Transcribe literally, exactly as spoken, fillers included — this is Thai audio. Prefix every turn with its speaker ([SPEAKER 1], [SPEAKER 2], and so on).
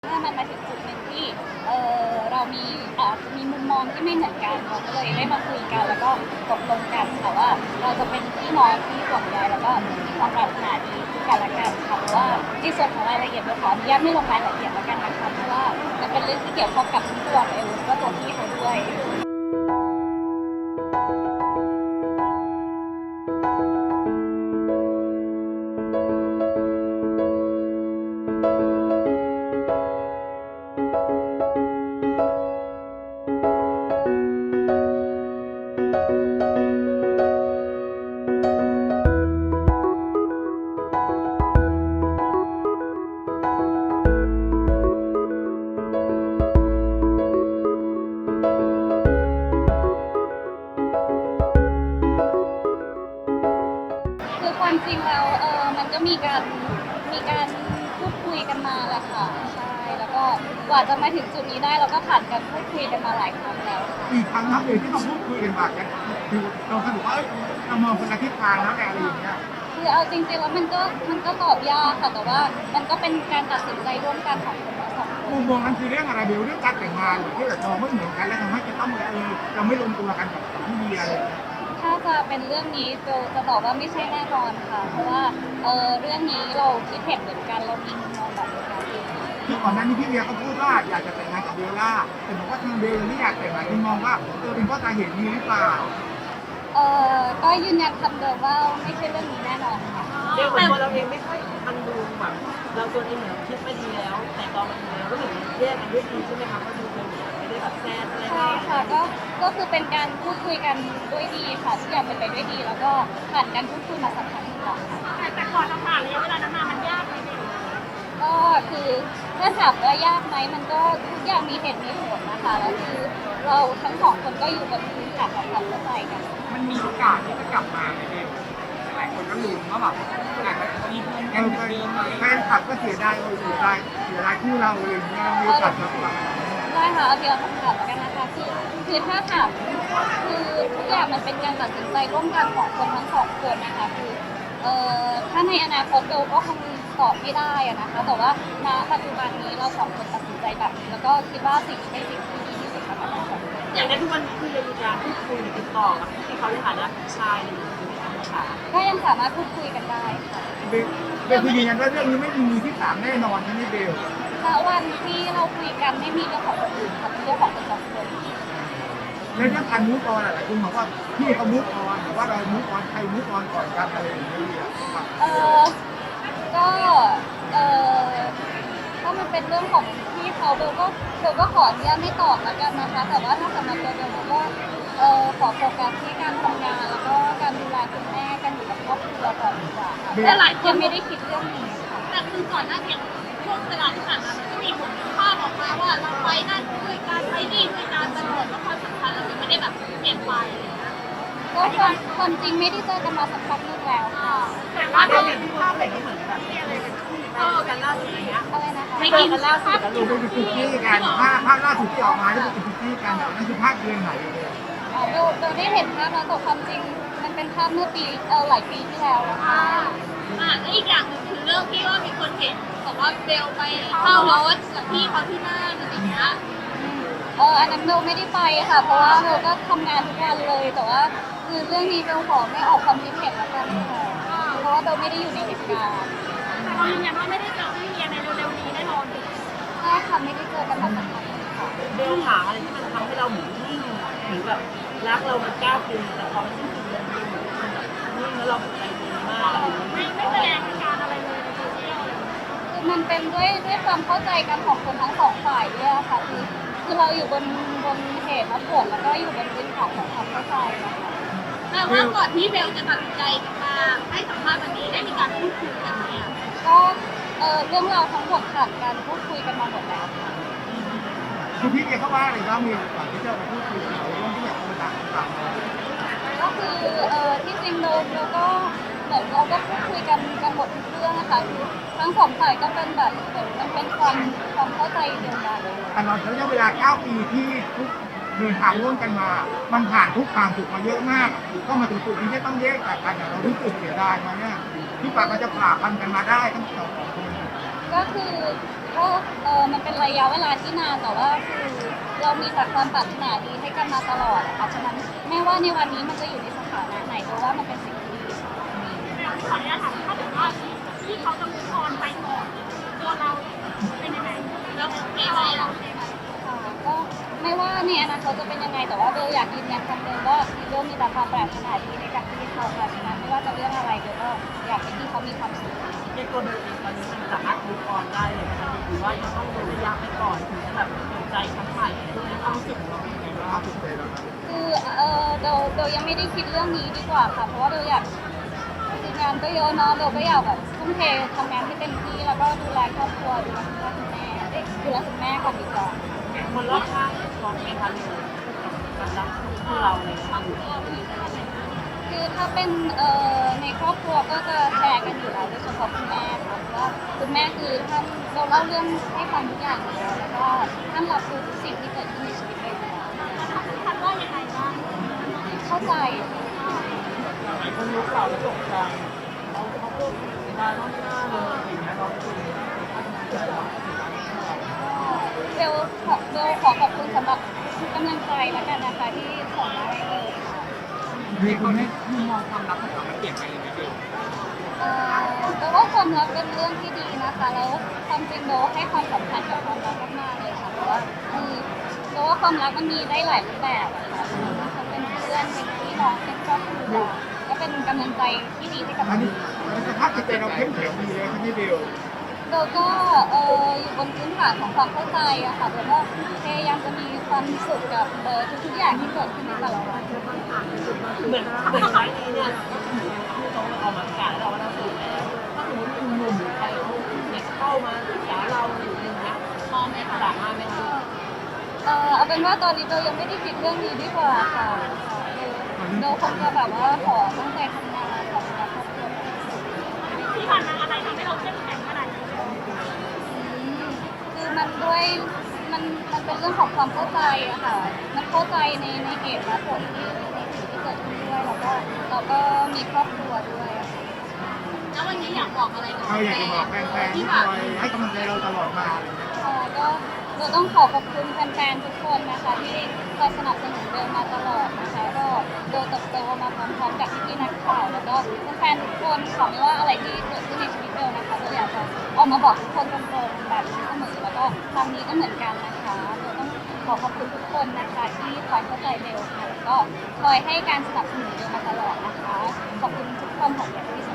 [SPEAKER 1] ถ้ามันมาถึงจุดหนึ่งที่เออเรามีอาจจะมีมุมมองที่ไม่เหมือนกันเราก็เลยได้มาคุยกันแล้วก็ตกลงกันค่ะว่าเราจะเป็นพี่น้องที่ห่วงใยแล้วก็มีความปรารถนาดีซึ่งกันและกันค่ะเพราะว่าในส่วนของรายละเอียดเราขออนุญาตไม่ลงรายละเอียดแล้วกันนะคะเพราะว่ามันเป็นเรื่องที่เกี่ยวข้องกับทั้งตัวเอลแล้วก็ตัวพี่เขาด้วยคือความจริงแล้วเออมันก็มีการมีการพูดคุยกันมาแหละค่ะใช่แล้วก็กว่าจะมาถึงจุดนี้ได้เราก็ผ่านการพูดคุยกันมาหลายครั้งแล้วค่ะ
[SPEAKER 2] อีกครั้งนับเลยที่เราพูดคุยกันมากันคือเราสรุปว่าเอ้ยเรามองคนละทิศทางแล้วแต่อะไรอย่างเงี้ย
[SPEAKER 1] คือเอาจริงๆแล้วมันก็มันก็ตอบยากค่ะแต่ว่ามันก็เป็นการตัดสินใจร่วมกันของคนทั้งสองคน
[SPEAKER 2] มุมมองนั้นคือเรื่องอะไรเบลเรื่องการแต่งงานหรือที่แบบมองไม่เหมือนกันแล้วทำให้จะต้องเออเราไม่ลงตัวกันกับกับพี่เบียร์อะไรอย่างเงี้ย
[SPEAKER 1] ถ้าจะเป็นเรื่องนี้โจจะบอกว่าไม่ใช่แน่นอนค่ะเพราะว่าเออเรื่องนี้เราคิดเห็นเหมือนกันเรามีมุมมองแบบเดียวกัน
[SPEAKER 2] คือก่อนหน้านี้พี่เบียร์ก็พูดว่าอยากจะแต่งงานกับเบลล่าแต่บอกว่าทางเบลไม่อยากแต่งงานที่มองว่าเออเป็นเพราะสาเหตุนี้หรือเปล่า
[SPEAKER 1] เออก็ยืนยันคำเดิมว่าไม่ใช่เรื่องนี้แน่นอนค่ะ
[SPEAKER 3] เดี๋ยวเหมือนตัวเราเองไม่ค่อยมันดูแบบเราตัวเองเหมือนคิดไม่ดีแล้วแต่ตอนมันดีแล้วก็เหมือนแยกกันด้วยดีใช่ไหมคะก็ดูเป็นไม่ได้แบบแซ่บอะไร
[SPEAKER 1] ใช่ค่ะก็ก็คือเป็นการพูดคุยกันด้วยดีค่ะทุกอย่างเป็นไปด้วยดี แล้วก็ผ่านการพูดคุยมาสักพักหนึ่งแล้วค่ะ
[SPEAKER 4] แต่ก่อนเราผ่านระยะเวลานั้นมามันยากไหมเบล
[SPEAKER 1] ก็คือถ้าถามว่ายากไหมมันก็ทุกอย่างมีเหตุมีผลนะคะแล้วคือเราทั้งสองคนก็อยู่บนพื้นฐานของความเข้าใจกัน
[SPEAKER 2] มันมีโอกาสที่จะกลับมาไหมเบลหลายคนก็ลุ้นว่าแบบอาจจะมีเพื่อนกันเดิมแฟนคลับก็เสียดายเสียดายเสียดายคู่เราอะไรอย่างเงี้ยมีโอกาสกลับมา
[SPEAKER 1] ได้ค่ะเอาเดียวคำถามกันนะคะคือคือถ้าถามคือทุกอย่างมันเป็นการตัดสินใจร่วมกันของคนทั้งสองคนนะคะคือเอ่อถ้าในอนาคตเบลก็คงตอบไม่ได้อะนะคะแต่ว่าณปัจจุบันนี้เราสองคนตัดสินใจแบบนี้แล้วก็คิดว่าสิ่งนี้เป็นสิ่งที่ดีที่สุดสำหรับเราสองคน
[SPEAKER 3] อย่างในทุกวันนี้คือยังมีการพูดคุยติดต่อกับที่เขาในฐานะชายหรือค่ะ
[SPEAKER 1] ก็ยังสามารถพูดคุยกันได้ค่ะ
[SPEAKER 2] เบลเบลคือยืนยันว่าเรื่องนี้ไม่มีมือที่สามแน่นอนใช่ไหมเบล
[SPEAKER 1] ณวันที่เราคุยกันไม่มีเรื่องของคนอื่นค่ะเป็นเรื่องของคนสองคน
[SPEAKER 2] แล้วเรื่องการมูฟออนหลายคนบอกว่าพี่เขามูฟออนหรือว่าเรามูฟออนใครมูฟออนก่อนกันอะไรอย่างเงี้ย
[SPEAKER 1] เออก็เออถ้ามันเป็นเรื่องของพี่เขาเบลก็เบลก็ขออนุญาตไม่ตอบแล้วกันนะคะแต่ว่าถ้าสำหรับตัวเบลก็เออขอโฟกัสที่การทำงานแล้วก็การดูแลคุณแม่กันอยู่กับครอบครัวก่อนดีกว่าค่ะแต่หลายคนไม่ได้คิดเรื่องนี้ค่ะ
[SPEAKER 4] แต่คือก่อนหน้านี้ช่วงเวลาที่ผ่านมามันก็มีผลภาพออกมาว่าเราไปนั่นด้วยการไปนี่ด้วยการตลอดแล้วความสัมพันธ์เราไม่ได้แบบเปลี่ยนไปอะไรเงี้ย
[SPEAKER 1] ก็ความความจริงไม่ได้เจอกันมาสักพักนึงแล้วค่ะ
[SPEAKER 4] แต่ว่า
[SPEAKER 3] ได้
[SPEAKER 4] เรา
[SPEAKER 3] เห็นภาพอะไรก็เหมือนแบบมีอะไรกันเออกันล่าสุดอะไรเงี้ย
[SPEAKER 1] อะไรนะคะ
[SPEAKER 3] ไม่กินกันล่าสุดแล้ว
[SPEAKER 2] ดู
[SPEAKER 3] ลูก
[SPEAKER 2] เป็นคุกกี้กันภาพภาพล่าสุดที่ออกมาที่เป็นคุกกี้กันนั่นคือภาพเดือนไหนเลย
[SPEAKER 1] อ๋อเบลเบลได้เห็นภาพแล้วแต่ความจริงมันเป็นภาพเมื่อปีเออหลายปีที่แล้วแล้วค่ะ
[SPEAKER 4] อ่าแล้วอีกอย่างหนึ่งคือเรื่องที่ว่ามีคนเห็นบอกว่าเบลไปเข้ารถกับพี่เขาที่นั่นอะไรเงี้ย
[SPEAKER 1] เอออันนั้นเบลไม่ได้ไปค่ะเพราะว่าเบลก็ทำงานทุกวันเลยแต่ว่าคือเรื่องนี้เบลขอไม่ออกความคิดเห็นแล้วกันค่ะเพราะว่าเบลไม่ได้อยู่ในเหตุการณ์
[SPEAKER 4] แต่เรายืนยันว่าไม่ได้เจอพี่เมียในเร็วๆนี้แน่นอน
[SPEAKER 1] ใช่ค่ะไม่ได้เจอกันมาสักพักค่ะ
[SPEAKER 3] เบลหาอะไรที่มันทำให้เราเหมือนนิ่งหรือแบบรักเรามันก้าวปีแต่พอมันสิ้นสุดลงเบลเหมือนมันแบบนิ่งแล้วเราใจดีมากอะไรอย่างเงี้ย
[SPEAKER 4] ไม่ไม่แสดงอาการอะไรเลยในโซเชียลเลย
[SPEAKER 1] คือมันเป็นด้วยด้วยความเข้าใจกันของคนทั้งสองฝ่ายด้วยค่ะคือคือเราอยู่บนบนเหตุและผลแล้วก็อยู่บนพื้นฐานของความเข้าใจนะคะ
[SPEAKER 4] แต่ว่าก่อนที่เบลจะตัดสินใจมาให้สัมภาษณ์วันนี้ได้มีการพูดคุยกันไหมอ่ะ
[SPEAKER 1] ก็เออเรื่องราวทั้งหมดผ่านการพูดคุยกันมาหมดแล้วค่ะ
[SPEAKER 2] คือพี่เอเขาว่าอะไรบ้างมีก่อนที่จะมาพูดคุยกันเรื่องที่อยากจะต่างต่าง
[SPEAKER 1] ก็คือเออที่จริงเราเราก็เหมือนเราก็พูดคุยกันกันหมดทุกเรื่องนะคะคือทั้งสองฝ่ายก็เป็นแบบเหมือนมันเป็นความความเข้าใจเดียวกัน
[SPEAKER 2] ตลอดระยะเวลาเก้าปีที่ทุกเดินทางร่วมกันมา มันผ่านทุกความสุขมาเยอะมากก็มาถึงจุดนี้ที่ต้องแยกจากกันเรารู้สึกเสียดายมาเนี่ยที่ป่ามันจะผ่าพันกันมาได้ทั้งสองคน
[SPEAKER 1] ก็คือก็เออมันเป็นระยะเวลาที่นานแต่ว่าคือเรามีแต่ความปรารถนาดีให้กันมาตลอดอะค่ะฉะนั้นแม้ว่าในวันนี้มันจะอยู่ในสถานะไหนแต่ว่ามันเป็นสิ่งที่ดีค่ะ
[SPEAKER 4] ขออนุญาตถามถ้าเกิดว่าที่เขาจะมุกออนไปก่อนตัวเราเป็นยังไงแล้วมีอะไรเรา
[SPEAKER 1] ค่ะก็ไม่ว่าในอนาคตจะเป็นยังไงแต่ว่าเบลอยากยืนยันคำเดิมว่าเบลมีแต่ความปรารถนาดีให้กับพี่เขาค่ะฉะนั้นไม่ว่าจะเรื่องอะไรเบลก็อยากให้พี่เขามีความสุข
[SPEAKER 3] ในตัวเบลเองตอนนี้มันสามารถมูฟออนได้เลยนะคะหรือว่ายังต้องระยะไปก่อนถึงจะแบบเปิดใจครั้งใหม่ในความรู้สึกของเราเป็นยังไงบ้าง
[SPEAKER 2] สุดใจเรา
[SPEAKER 1] คือเออเบลเบลยังไม่ได้คิดเรื่องนี้ดีกว่าค่ะเพราะว่าเบลอยากคืองานก็เยอะเนาะเบลก็อยากแบบทุ่มเททำงานให้เต็มที่แล้วก็ดูแลครอบครัวดูแลคุณพ่อคุณแม่เอ้ยดูแลคุณแม่ก่อนดีกว่า
[SPEAKER 3] คนรอบข้างมองไหมคะในการรักคู่เราในครอบครัว
[SPEAKER 1] คือถ้าเป็นเอ่อในครอบครัวก็จะแชร์กันอยู่แล้วโดยเฉพาะคุณแม่ค่ะเพราะว่าคุณแม่คือท่านเราเล่าเรื่องให้ฟังทุกอย่างอยู่แล้วแล้วก็ท่านรับรู้ทุกสิ่งที่เกิดขึ้นในชีวิตเลยอยู่แล้ว
[SPEAKER 4] ทันว่ายังไงบ้าง
[SPEAKER 1] เข้าใจ
[SPEAKER 3] หลายคนรู้ข่าวแล้วตกใจเราเขาพูดมาต้องหน้าเลยอย่างเงี้ยเราคือถ้าทำใจเรา
[SPEAKER 1] เบลขอเบลขอขอบคุณสำหรับทุกกำลังใจแล้วกันนะคะที่ส่งมาให้เบลค่ะ
[SPEAKER 2] มีคนให้มุมมองความรักของเรามันเปลี่ยนไปยังไงเบล
[SPEAKER 1] เอ่อเบลว่าความรักเป็นเรื่องที่ดีนะคะแล้วความจริงเบลให้ความสำคัญกับความรักมากๆเลยค่ะเพราะว่าคือเบลว่าความรักมันมีได้หลายรูปแบบอะค่ะมันเป็นเพื่อนเป็นพี่น้องเป็นครอบครัวก็เป็นกำลังใจที่ดีให้กับ
[SPEAKER 2] อัน
[SPEAKER 1] เรา
[SPEAKER 2] นี้สภาพจิตใจเราเข้มแข็งดีเลยใช่ไหมเบล
[SPEAKER 1] เบลก็เอออยู่บนพื้นฐานของความเข้าใจอะค่ะเบลก็พยายามจะมีความสุขกับเออทุกๆอย่างที่เกิดขึ้นในแต่ละวัน
[SPEAKER 3] เหมือนเหมือนไม้นี้เนี่ยที่เขาเอามาประกาศแล้วว่าเราสูงแล้วถ้าสมมติคุณหนุ่มหรือใครเขาอยากเข้ามาศึกษาเราหรืออย่างเงี้ยมองไหมคะสามารถไหมคะ
[SPEAKER 1] เออเอาเป็นว่าตอนนี้เบลยังไม่ได้คิดเรื่องนี้ดีกว่าค่ะเบลคงจะแบบว่าขอตั้งใจทำงานขอดูแลครอบครัว
[SPEAKER 4] ที่ผ่านมาอะไรทำให้เราเข้มแข็งขนาดนี้
[SPEAKER 1] อืมคือมันด้วยมันมันเป็นเรื่องของความเข้าใจอะค่ะ มันเข้าใจในในเหตุและผลที่ในสิ่งที่เกิดขึ้นด้วยแล้วก็เราก็มีครอบครัวด้วยอะค่ะ
[SPEAKER 4] แล้ววันนี้อยากบอกอะไรกับ
[SPEAKER 2] เราอยากจะบอกแฟนๆที่คอยให้กำลังใจเราตลอดมาอะไรเงี้ย
[SPEAKER 1] เอ่อก็เราต้องขอขอบคุณแฟนๆทุกคนนะคะที่คอยสนับสนุนเบลมาตลอดนะคะก็เบลเติบโตมาพร้อมๆกับพี่ๆนักข่าวแล้วก็แฟนๆทุกคนขอไม่ว่าอะไรที่เกิดขึ้นในชีวิตเบลนะคะเบลอยากจะออกมาบอกทุกคนตรงๆแบบนี้เสมอแล้วก็ครั้งนี้ก็เหมือนกันนะคะเบลต้องขอขอบคุณทุกคนนะคะที่คอยเข้าใจเบลค่ะแล้วก็คอยให้การสนับสนุนเบลมาตลอดนะคะขอบคุณทุกคนของอย่างที่สุด